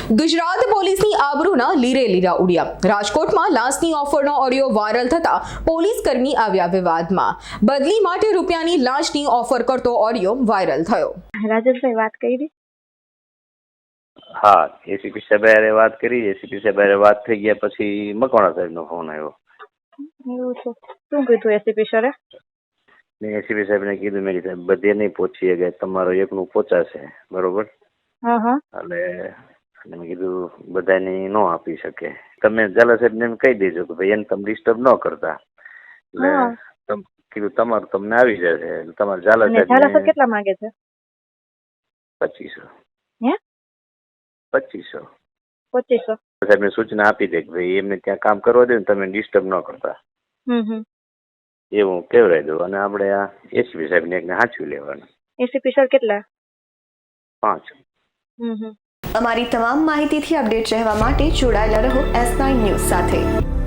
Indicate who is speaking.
Speaker 1: ગુજરાત પોલીસની આબરૂના લીરે લીરા ઉડ્યા। રાજકોટમાં લાંચની ઓફરનો ઓડિયો વાયરલ થતા પોલીસ કર્મી આવ્યા વિવાદમાં। બદલી માટે રૂપિયાની લાંચની ઓફર કરતો ઓડિયો વાયરલ થયો।
Speaker 2: રાજેશભાઈ વાત કરી?
Speaker 3: હા, એસીપી સાહેબ વાત કરી। એસીપી સાહેબ વાત થઈ ગયા પછી મકવાણા સાહેબનો ફોન આવ્યો।
Speaker 2: એવું છે? શું કીધું એસીપી સરે?
Speaker 3: મેં એસીપી સાહેબને કીધું, મેં સાહેબ બધે નહીં પહોંચીએ કે તમારો એકનું પહોંચાશે, બરોબર?
Speaker 2: હા
Speaker 3: એટલે મેં કીધું બધાની ન આપી શકે, તમે ઝાલા સાહેબને એમ કહી દેજો કે ભાઈ એને તમે ડિસ્ટર્બ ન કરતા, એટલે કીધું તમારું તમને આવી જશે। તમારે ઝાલા સાહેબ
Speaker 2: કેટલા માંગે છે?
Speaker 3: 2500।
Speaker 2: હે?
Speaker 3: 2500
Speaker 2: 2500
Speaker 3: સાહેબને સૂચના આપી દે કે ભાઈ એમને ત્યાં કામ કરવા દે ને, તમે ડિસ્ટર્બ ન કરતા, એવું કહેવાય દઉં। અને આપણે આ એસીપી સાહેબને એકને સાચવી લેવાનું।
Speaker 2: એસીપી સર કેટલા?
Speaker 3: 5।
Speaker 4: અમારી તમામ માહિતીથી અપડેટ રહેવા માટે જોડાયેલા રહો S9 ન્યૂઝ સાથે।